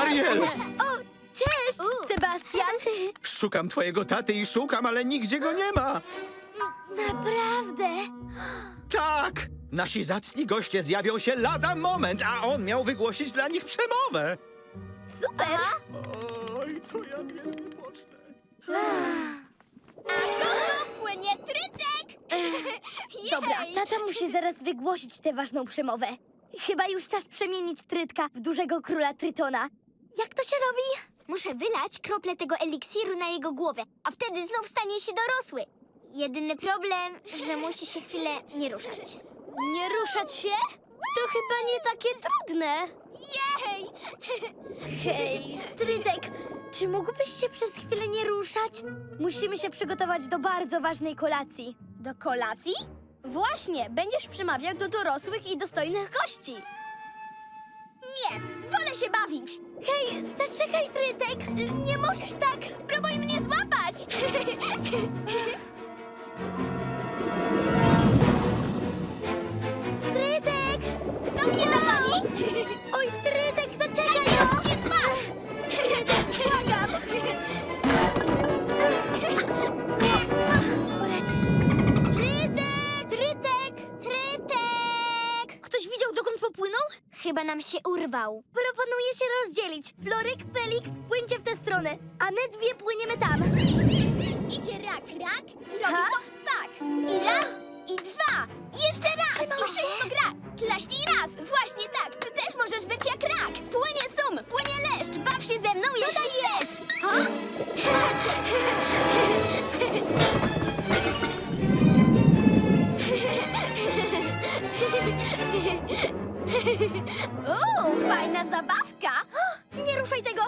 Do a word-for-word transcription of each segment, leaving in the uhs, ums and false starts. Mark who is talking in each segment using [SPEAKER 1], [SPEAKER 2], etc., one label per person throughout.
[SPEAKER 1] Ariel!
[SPEAKER 2] O, cześć, Sebastian.
[SPEAKER 1] Szukam twojego taty i szukam, ale nigdzie go nie ma.
[SPEAKER 2] Naprawdę?
[SPEAKER 1] Tak! Nasi zacni goście zjawią się lada moment, a on miał wygłosić dla nich przemowę.
[SPEAKER 2] Super.
[SPEAKER 1] Oj, co ja wielkie pocznę.
[SPEAKER 2] A kogo płynie trytek? Dobra, tata musi zaraz wygłosić tę ważną przemowę. Chyba już czas przemienić Trytka w dużego króla Trytona. Jak to się robi?
[SPEAKER 3] Muszę wylać krople tego eliksiru na jego głowę, a wtedy znów stanie się dorosły. Jedyny problem, że musi się chwilę nie ruszać.
[SPEAKER 2] Nie ruszać się? To chyba nie takie trudne.
[SPEAKER 3] Jej!
[SPEAKER 2] Hej, Trytek, czy mógłbyś się przez chwilę nie ruszać? Musimy się przygotować do bardzo ważnej kolacji.
[SPEAKER 3] Do kolacji?
[SPEAKER 2] Właśnie, będziesz przemawiał do dorosłych i dostojnych gości.
[SPEAKER 3] Nie, wolę się bawić.
[SPEAKER 2] Hej, zaczekaj, Trytek! Nie możesz tak!
[SPEAKER 3] Spróbuj mnie złapać.
[SPEAKER 2] Trytek!
[SPEAKER 3] Kto mnie dogoni?
[SPEAKER 2] Oj, Trytek, zaczekaj, no!
[SPEAKER 3] Nie spadł!
[SPEAKER 2] Trytek, błagam! Orety.
[SPEAKER 3] Trytek! Trytek! Trytek!
[SPEAKER 2] Ktoś widział, dokąd popłynął?
[SPEAKER 3] Chyba nam się urwał.
[SPEAKER 2] Proponuję się rozdzielić. Floryk, Felix, płyńcie w tę stronę, a my dwie płyniemy tam.
[SPEAKER 3] Idzie rak, rak i robi
[SPEAKER 2] Ha?
[SPEAKER 3] to wspak. I raz, i dwa, i jeszcze raz.
[SPEAKER 2] Trzymam
[SPEAKER 3] I
[SPEAKER 2] się.
[SPEAKER 3] wszystko gra. Klaśnij raz, właśnie tak. Ty też możesz być jak rak. Płynie sum, płynie leszcz. Baw się ze mną, jeśli chcesz. Ha?
[SPEAKER 2] O, fajna zabawka! Nie ruszaj tego!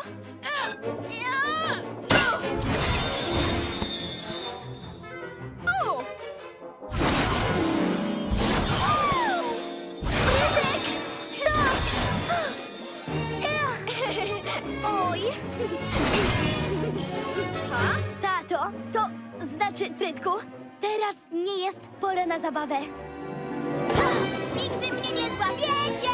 [SPEAKER 2] O! Trytek! Stop! Oj!
[SPEAKER 3] Ha?
[SPEAKER 2] Tato, to znaczy, Trytku, teraz nie jest pora na zabawę.
[SPEAKER 3] Nigdy mnie nie złapiecie!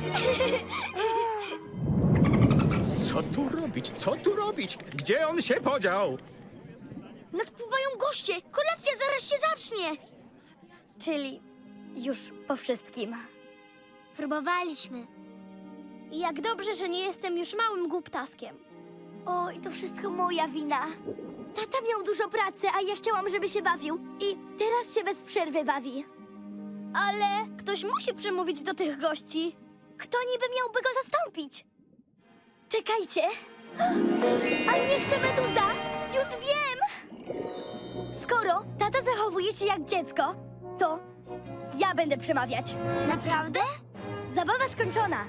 [SPEAKER 1] Co tu robić? Co tu robić? Gdzie on się podział?
[SPEAKER 2] Nadpływają goście! Kolacja zaraz się zacznie! Czyli już po wszystkim.
[SPEAKER 3] Próbowaliśmy.
[SPEAKER 2] Jak dobrze, że nie jestem już małym głuptaskiem. Oj, to wszystko moja wina. Tata miał dużo pracy, a ja chciałam, żeby się bawił. I teraz się bez przerwy bawi. Ale ktoś musi przemówić do tych gości. Kto niby miałby go zastąpić? Czekajcie. A niech to Meduza! Już wiem! Skoro tata zachowuje się jak dziecko, to ja będę przemawiać.
[SPEAKER 3] Naprawdę?
[SPEAKER 2] Zabawa skończona.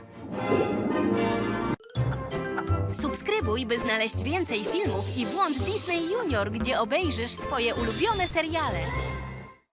[SPEAKER 4] Subskrybuj, by znaleźć więcej filmów i włącz Disney Junior, gdzie obejrzysz swoje ulubione seriale.